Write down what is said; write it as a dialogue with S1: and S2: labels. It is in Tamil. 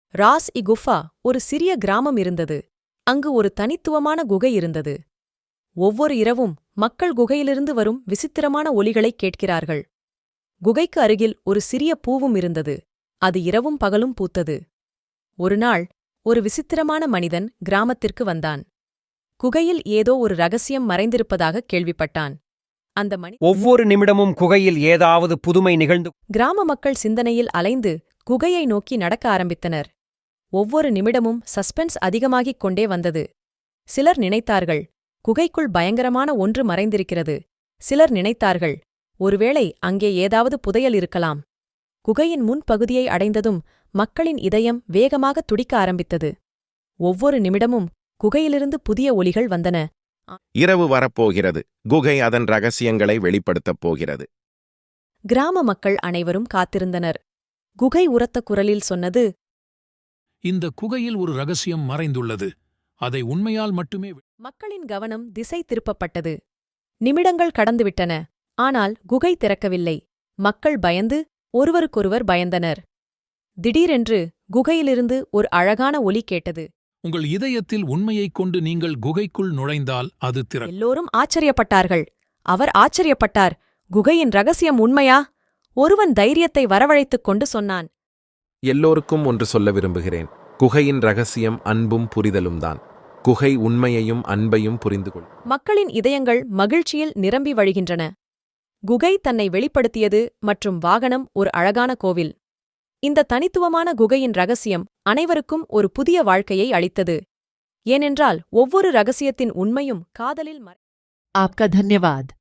S1: ராஸ்-இ-குஃபா ஒரு சிறிய கிராமம் இருந்தது. அங்கு ஒரு தனித்துவமான குகை இருந்தது. ஒவ்வொரு இரவும் மக்கள் குகையிலிருந்து வரும் விசித்திரமான ஒலிகளைக் கேட்கிறார்கள். குகைக்கு அருகில் ஒரு சிறிய பூவும் இருந்தது. அது இரவும் பகலும் பூத்தது. ஒருநாள் ஒரு விசித்திரமான மனிதன் கிராமத்திற்கு வந்தான். குகையில் ஏதோ ஒரு ரகசியம் மறைந்திருப்பதாகக் கேள்விப்பட்டான். அந்த
S2: ஒவ்வொரு நிமிடமும் குகையில் ஏதாவது புதுமை நிகழ்ந்து
S1: கிராம மக்கள் சிந்தனையில் அலைந்து குகையை நோக்கி நடக்க ஆரம்பித்தனர். ஒவ்வொரு நிமிடமும் சஸ்பென்ஸ் அதிகமாகிக் கொண்டே வந்தது. சிலர் நினைத்தார்கள், குகைக்குள் பயங்கரமான ஒன்று மறைந்திருக்கிறது. சிலர் நினைத்தார்கள், ஒருவேளை அங்கே ஏதாவது புதையல் இருக்கலாம். குகையின் முன்பகுதியை அடைந்ததும் மக்களின் இதயம் வேகமாக துடிக்க ஆரம்பித்தது. ஒவ்வொரு நிமிடமும் குகையிலிருந்து புதிய ஒலிகள் வந்தன.
S3: இரவு வரப்போகிறது. குகை அதன் ரகசியங்களை வெளிப்படுத்தப் போகிறது.
S1: கிராம மக்கள் அனைவரும் காத்திருந்தனர். குகை உரத்த குரலில் சொன்னது,
S4: இந்த குகையில் ஒரு ரகசியம் மறைந்துள்ளது. அதை உண்மையால் மட்டுமே
S1: மக்களின் கவனம் திசை திருப்பப்பட்டது. நிமிடங்கள் கடந்துவிட்டன. ஆனால் குகை திறக்கவில்லை. மக்கள் பயந்து ஒருவருக்கொருவர் பயந்தனர். திடீரென்று குகையிலிருந்து ஒரு அழகான ஒலி கேட்டது.
S4: உங்கள் இதயத்தில் உண்மையைக் கொண்டு நீங்கள் குகைக்குள் நுழைந்தால் அது
S1: எல்லோரும் ஆச்சரியப்பட்டார்கள். அவர் ஆச்சரியப்பட்டார். குகையின் ரகசியம் உண்மையா? ஒருவன் தைரியத்தை வரவழைத்துக் கொண்டு சொன்னான்,
S3: எல்லோருக்கும் ஒன்று சொல்ல விரும்புகிறேன். குகையின் ரகசியம் அன்பும் புரிதலும்தான். குகை உண்மையையும் அன்பையும் புரிந்து கொள்.
S1: மக்களின் இதயங்கள் மகிழ்ச்சியில் நிரம்பி வழிகின்றன. குகை தன்னை வெளிப்படுத்தியது மற்றும் வாகனம் ஒரு அழகான கோவில். இந்த தனித்துவமான குகையின் ரகசியம் அனைவருக்கும் ஒரு புதிய வாழ்க்கையை அளித்தது. ஏனென்றால் ஒவ்வொரு ரகசியத்தின் உண்மையும் காதலில்
S5: आपका धन्यवाद।